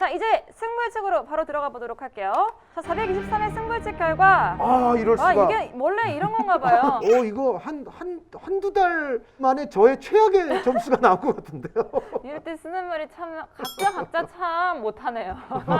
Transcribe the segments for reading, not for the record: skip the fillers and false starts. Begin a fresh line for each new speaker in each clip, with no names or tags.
자, 이제 승부예측으로 바로 들어가 보도록 할게요. 자, 423의 승부예측 결과.
이럴 수가.
이게 원래 이런 건가 봐요.
이거 한두 달 만에 저의 최악의 점수가 나올 것 같은데요.
이럴 때 쓰는 말이 참 각자 참 못하네요.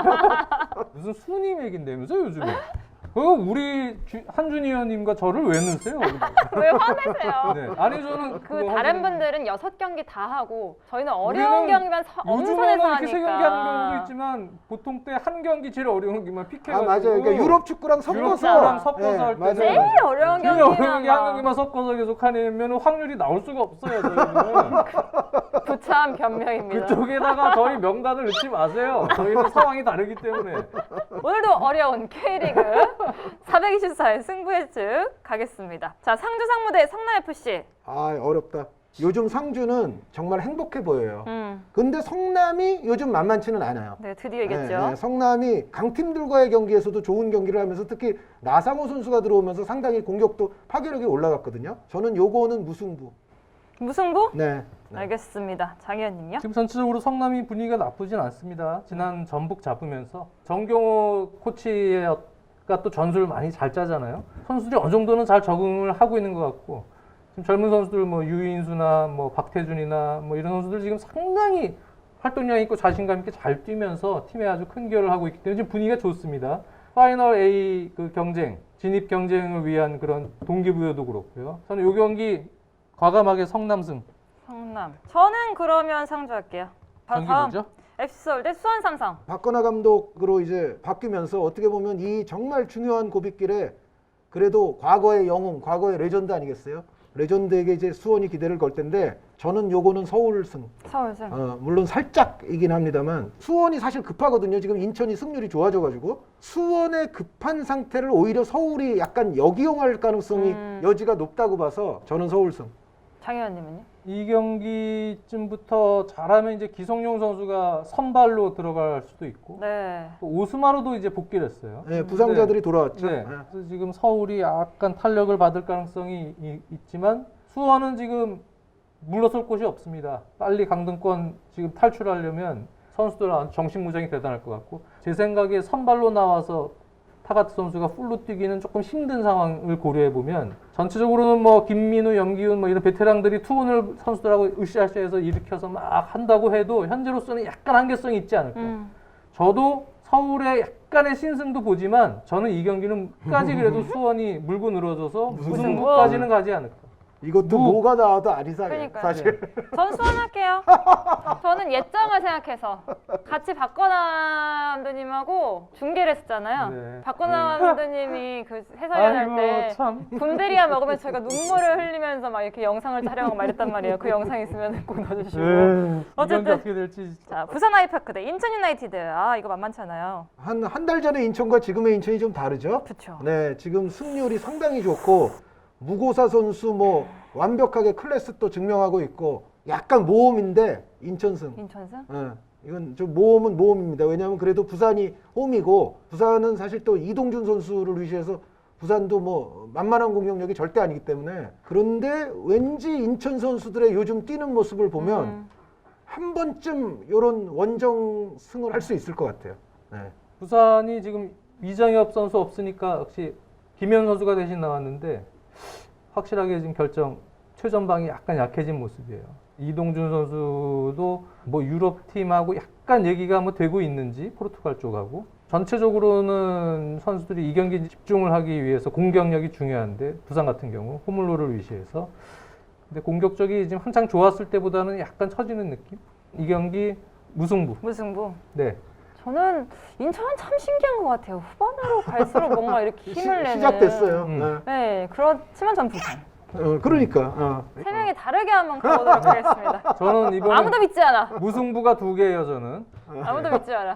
무슨 순위 맥인데면서 요즘에. 우리 한준희 의원님과 저를 왜 넣으세요?
왜 화내세요?
네. 아니 저는
그 다른 분들은 6경기 다 하고 저희는 어려운 경기만
요즘에는
엄선해서
이렇게 3경기
하니까.
하는 경우도 있지만 보통 때 한 경기 제일 어려운 경기만 픽해가지고
맞아요. 그러니까 유럽 축구랑 섞어서
할
맞아요.
때는
제일 어려운
제일
경기만
어려운 게 한 경기만 섞어서 계속 하면 확률이 나올 수가 없어요. 저희는.
부참 변명입니다.
그쪽에다가 저희 명단을 넣지 마세요. 저희는 상황이 다르기 때문에.
오늘도 어려운 K리그 424의 승부예측 가겠습니다. 자, 상주 상무대 성남FC.
어렵다. 요즘 상주는 정말 행복해 보여요. 근데 성남이 요즘 만만치는 않아요.
네, 드디어 이겼죠.
성남이 강팀들과의 경기에서도 좋은 경기를 하면서 특히 나상호 선수가 들어오면서 상당히 공격도 파괴력이 올라갔거든요. 저는 요거는 무승부.
무승부?
네.
알겠습니다. 장 의원님요?
지금 전체적으로 성남이 분위기가 나쁘진 않습니다. 지난 전북 잡으면서 정경호 코치가 또 전술을 많이 잘 짜잖아요. 선수들이 어느 정도는 잘 적응을 하고 있는 것 같고 지금 젊은 선수들 뭐 유인수나 뭐 박태준이나 뭐 이런 선수들 지금 상당히 활동량 있고 자신감 있게 잘 뛰면서 팀에 아주 큰 기여를 하고 있기 때문에 지금 분위기가 좋습니다. 파이널 A 그 경쟁, 진입 경쟁을 위한 그런 동기부여도 그렇고요. 저는 이 경기 과감하게 성남승.
성남. 저는 그러면 상주 할게요.
경기
다음
뭐죠?
FC 서울 대 수원 삼성.
박건하 감독으로 이제 바뀌면서 어떻게 보면 이 정말 중요한 고비길에 그래도 과거의 영웅, 과거의 레전드 아니겠어요? 레전드에게 이제 수원이 기대를 걸 텐데 저는 요거는 서울승.
서울승.
물론 살짝이긴 합니다만 수원이 사실 급하거든요. 지금 인천이 승률이 좋아져가지고 수원의 급한 상태를 오히려 서울이 약간 역이용할 가능성이 여지가 높다고 봐서 저는 서울승.
장 의원님은요?
이 경기쯤부터 잘하면 이제 기성용 선수가 선발로 들어갈 수도 있고
네.
또 오스마르도 이제 복귀를 했어요.
네, 부상자들이 돌아왔죠.
네. 그래서 지금 서울이 약간 탄력을 받을 가능성이 있지만 수원은 지금 물러설 곳이 없습니다. 빨리 강등권 지금 탈출하려면 선수들 정신무장이 대단할 것 같고 제 생각에 선발로 나와서 타가트 선수가 풀로 뛰기는 조금 힘든 상황을 고려해 보면 전체적으로는 뭐 김민우, 염기훈 뭐 이런 베테랑들이 투혼을 선수들하고 으쌰으쌰해서 일으켜서 막 한다고 해도 현재로서는 약간 한계성이 있지 않을까. 저도 서울의 약간의 신승도 보지만 저는 이 경기는 끝까지 그래도 수원이 물고 늘어져서 무승부까지는 가지 않을까.
이것도 뭐가 나와도 안 이상해.
그러니까요.
사실.
전 수원 할게요. 저는 예정을 생각해서 같이 박건아 감독님하고 중계를 했었잖아요.
네.
박건아 감독님이 그 해설위원 할 때
참.
군대리아 먹으면 저희가 눈물을 흘리면서 막 이렇게 영상을 촬영하고 말했단 말이에요. 그 영상 있으면 꼭 넣어주시고.
이 경기
어쨌든
어떻게 될지.
자, 부산 아이파크 대 인천 유나이티드. 이거 만만치 않아요.
한 달 전에 인천과 지금의 인천이 좀 다르죠?
그쵸.
네, 지금 승률이 상당히 좋고 무고사 선수 뭐 완벽하게 클래스도 증명하고 있고 약간 모험인데 인천승.
인천승?
이건 좀 모험은 모험입니다. 왜냐하면 그래도 부산이 홈이고 부산은 사실 또 이동준 선수를 위시해서 부산도 뭐 만만한 공격력이 절대 아니기 때문에 그런데 왠지 인천 선수들의 요즘 뛰는 모습을 보면 한 번쯤 이런 원정승을 할 수 있을 것 같아요. 네.
부산이 지금 이정엽 선수 없으니까 역시 김현 선수가 대신 나왔는데 확실하게 지금 결정 최전방이 약간 약해진 모습이에요. 이동준 선수도 뭐 유럽 팀하고 약간 얘기가 뭐 되고 있는지 포르투갈 쪽하고 전체적으로는 선수들이 이 경기 집중을 하기 위해서 공격력이 중요한데 부산 같은 경우 홈을로를 위시해서 근데 공격적이 지금 한창 좋았을 때보다는 약간 처지는 느낌? 이 경기 무승부.
무승부.
네.
저는 인천은 참 신기한 것 같아요. 후반으로 갈수록 뭔가 이렇게 힘을 내는.
시작됐어요.
네, 그렇지만 전 부산.
그러니까.
세 명이 다르게 한번 가보도록 하겠습니다.
저는 이번에
아무도 믿지 않아.
무승부가 2개예요, 저는.
아무도 믿지 않아.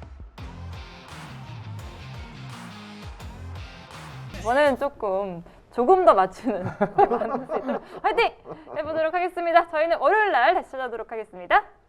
이번에는 조금 조금 더 맞추는 만들 수 있도록 화이팅 해보도록 하겠습니다. 저희는 월요일 날 다시 찾아오도록 하겠습니다.